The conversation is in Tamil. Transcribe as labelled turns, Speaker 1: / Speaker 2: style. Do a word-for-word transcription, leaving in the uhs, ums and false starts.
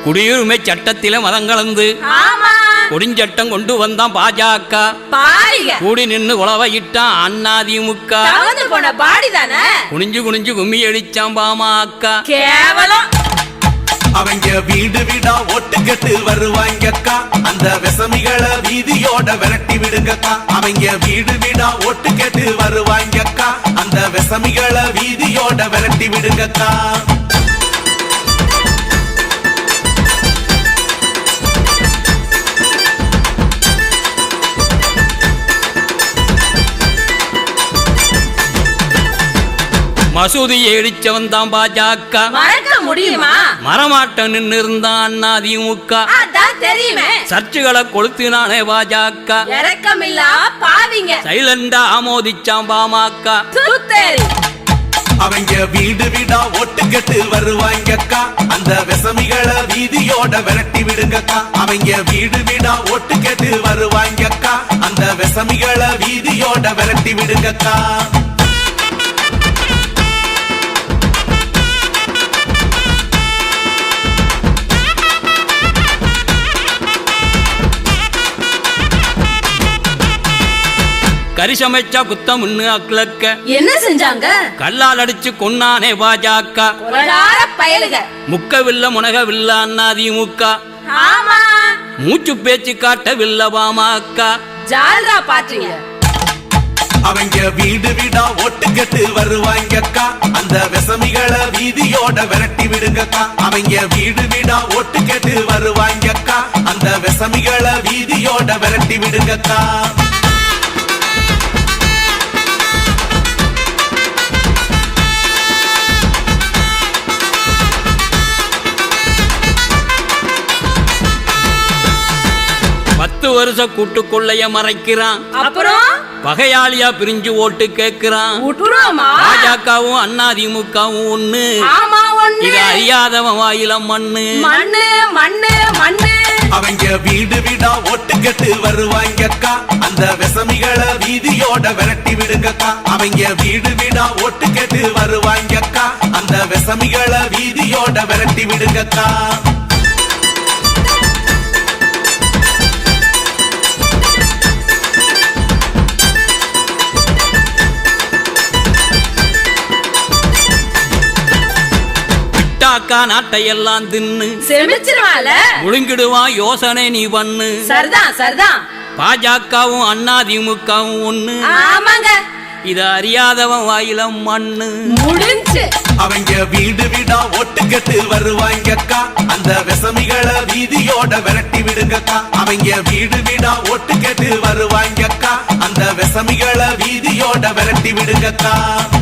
Speaker 1: குடியுரிமை சட்டத்தில மதம் கலந்து கொடிஞ்சட்டம் கொண்டு வந்தான் பாஜக. கூடி நின்று உழவையிட்டான் அண்ணாதிமுக. குனிஞ்சு குனிஞ்சு கும்மி அடிச்சான் பாமக. கேவலம்.
Speaker 2: அவங்க வீடு வீடா ஓட்டு கட்டு வருவாங்கக்கா, அந்த விசமிகளை வீதியோட விரட்டி விடுங்கக்கா. அவங்க வீடு வீடா ஓட்டு கட்டு வருவாங்கக்கா, அந்த விசமிகளை வீதியோட விரட்டி விடுங்கக்கா.
Speaker 1: மசூதியை இடிச்சவன் தான் பாஜக.
Speaker 3: மறக்க முடியுமா?
Speaker 1: மரமாட்டம் நின்று இருந்தான் அதிமுக.
Speaker 3: தெரியுமே.
Speaker 1: சர்ச்சுகளை கொளுத்தினானே பாஜக.
Speaker 3: இறக்கமில்லா பாவிங்க.
Speaker 1: சைலண்டா ஆமோதிச்சான் பாமக.
Speaker 2: அவங்க வீடு வீடா ஓட்டு கட்டு வருவாங்கக்கா, அந்த விசமிகளை வீதியோட விரட்டி விடுங்கக்கா. அவங்க வீடு வீடா ஓட்டு கட்டு வருவாங்கக்கா, அந்த விசமிகளை வீதியோட விரட்டி விடுங்கக்கா.
Speaker 1: கரிசமைச்சா குத்தம் அக்லக்க.
Speaker 3: என்ன செஞ்சாங்க?
Speaker 1: கல்லால் அடிச்சு கொன்னானே பாஜக. முக்கவில்ல முனகவில்ல அண்ணாதிமுக. மூச்சு பேச்சு காட்டவில்ல பாமக.
Speaker 3: ஜால்ரா பாத்தீங்க.
Speaker 2: அவங்க வீடு வீடா ஓட்டு கட்டு வருவாங்கக்கா, அந்த விசமிகளை வீதியோட விரட்டி விடுங்கக்கா. அவங்க வீடு வீடா ஓட்டு கட்டு வருவாங்கக்கா, அந்த விசமிகளை வீதியோட விரட்டி விடுங்கக்கா.
Speaker 1: பத்து வருஷ கூட்டுக்குள்ளைய மறைக்கிறான்.
Speaker 3: அப்புறம்
Speaker 1: பகையாளியா பிரிஞ்சு ஓட்டு கேட்கிறான். பாஜகவும் அண்ணாதிமுகவும் ஒண்ணு. இது அறியாதவன் வாயில மண்ணு
Speaker 3: மண்ணு மண்ணு மண்ணு.
Speaker 2: அவங்க வீடு வீடா ஓட்டு கட்டு வருவாங்கக்கா, அந்த விசமிகளை வீதியோட விரட்டி விடுங்கக்கா. அவங்க வீடு வீடா ஓட்டு கட்டு வருவாங்கக்கா, அந்த விசமிகளை வீதியோட விரட்டி விடுங்கக்கா.
Speaker 1: நாட்டையெல்லாம் தின்னு
Speaker 3: செமிச்சிருவால
Speaker 1: முழுங்கிடுவான். யோசனை நீ பண்ணு.
Speaker 3: சரிதான் சரிதான்.
Speaker 1: பாஜகவும் அண்ணாதிமுகவும் ஒண்ணு.
Speaker 3: ஆமாங்க.
Speaker 1: இது அறியாதவன் வாயில மண்ணு
Speaker 3: முடிஞ்சு.
Speaker 2: அவங்க வீடு வீடா ஓட்டு கட்டு வருவாங்கக்கா, அந்த விசமிகளை வீதியோட விரட்டி விடுங்கக்கா. அவங்க வீடு வீடா ஓட்டு கட்டு வருவாங்கக்கா, அந்த விசமிகளை வீதியோட விரட்டி விடுங்கக்கா.